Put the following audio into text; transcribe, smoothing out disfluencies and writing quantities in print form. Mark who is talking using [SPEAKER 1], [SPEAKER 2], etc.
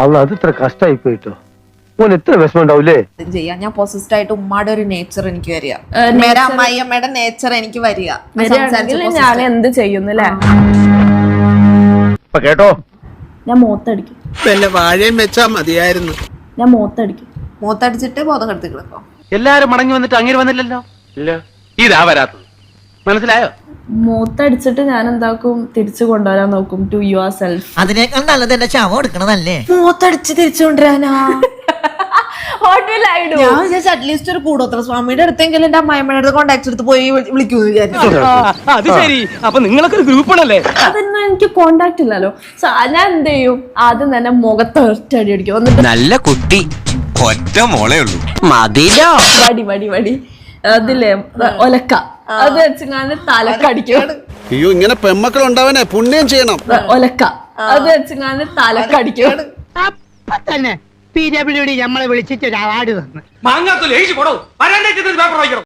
[SPEAKER 1] അത് ഇത്ര കഷ്ടമായി പോയിട്ടോ. ഓൻ എത്ര വിഷമം ഉണ്ടാവൂലേ.
[SPEAKER 2] ചെയ്യാം. ഞാൻ പോസിറ്റീവ് ആയിട്ട് ഉമ്മയുടെ ഒരു നേച്ചർ എനിക്ക് വരിക, അമ്മയമ്മയുടെ നേച്ചർ എനിക്ക് വരിക.
[SPEAKER 3] ഞാൻ എന്ത് ചെയ്യുന്നില്ലേ
[SPEAKER 1] കേട്ടോ,
[SPEAKER 3] ഞാൻ മൂത്തടിക്കും.
[SPEAKER 4] വാഴയും വെച്ചാ മതിയായിരുന്നു.
[SPEAKER 3] ഞാൻ മൂത്തടിക്കും.
[SPEAKER 2] മൂത്തടിച്ചിട്ട് ബോധം കെടുത്തി കിടക്കും.
[SPEAKER 5] എല്ലാരും മടങ്ങി വന്നിട്ട് അങ്ങനെ വന്നില്ലല്ലോ. ഇല്ല, ഇതാ വരാത്തത്. മനസ്സിലായോ?
[SPEAKER 3] മൂത്തടിച്ചിട്ട് ഞാൻ എന്താക്കും, തിരിച്ചു കൊണ്ടുവരാൻ നോക്കും. To yourself.
[SPEAKER 6] അതിനേക്കാൾ നല്ലത് എന്റെ ശവം എടുക്കണതല്ലേ.
[SPEAKER 2] മൂത്തടിച്ച് തിരിച്ചു കൊണ്ടുവരാനാ
[SPEAKER 3] What will I do?
[SPEAKER 2] ഞാൻ വിചാരിച്ചു അറ്റ്ലീസ്റ്റ് ഒരു കൂടോത്ര സ്വാമിയുടെ അടുത്തെങ്കിലും എന്റെ അമ്മായിമ്മയുടെ അടുത്ത് കോണ്ടാക്ട് എടുത്ത് പോയി വിളിക്കുന്നു വിചാരിച്ചു.
[SPEAKER 5] അത് ശരി. അപ്പൊ നിങ്ങളൊക്കെ ഒരു ഗ്രൂപ്പാണല്ലേ?
[SPEAKER 3] അതൊന്നും എനിക്ക് കോണ്ടാക്ട് ഇല്ലല്ലോ. ഞാൻ എന്ത് ചെയ്യും, ആദ്യം തന്നെ മുഖത്ത് ഒറ്റടി അടിക്കും. എന്നിട്ട്
[SPEAKER 7] നല്ല കുട്ടി, ഒറ്റ മോളേ ഉള്ളൂ, മതിലോ.
[SPEAKER 3] വടി വടി വടി അതില്ലേ ഒലക്ക, അത് വെച്ച് ഞാൻ തലക്കടിക്കും.
[SPEAKER 4] അയ്യോ, ഇങ്ങനെ പെമ്മക്കൾ ഉണ്ടാവാനേ പുണ്യം ചെയ്യണം.
[SPEAKER 3] ഒലക്ക, അത് വെച്ച് ഞാൻ തലക്കടിക്കും.
[SPEAKER 8] അപ്പൊ തന്നെ PWD നമ്മളെ വിളിച്ചിട്ട് ഒരു അവാർഡ് തന്നു.
[SPEAKER 5] മാങ്ങാത്തൊലി എഴുതി പോടോ. വരാൻ പേപ്പർ വായിക്കണം.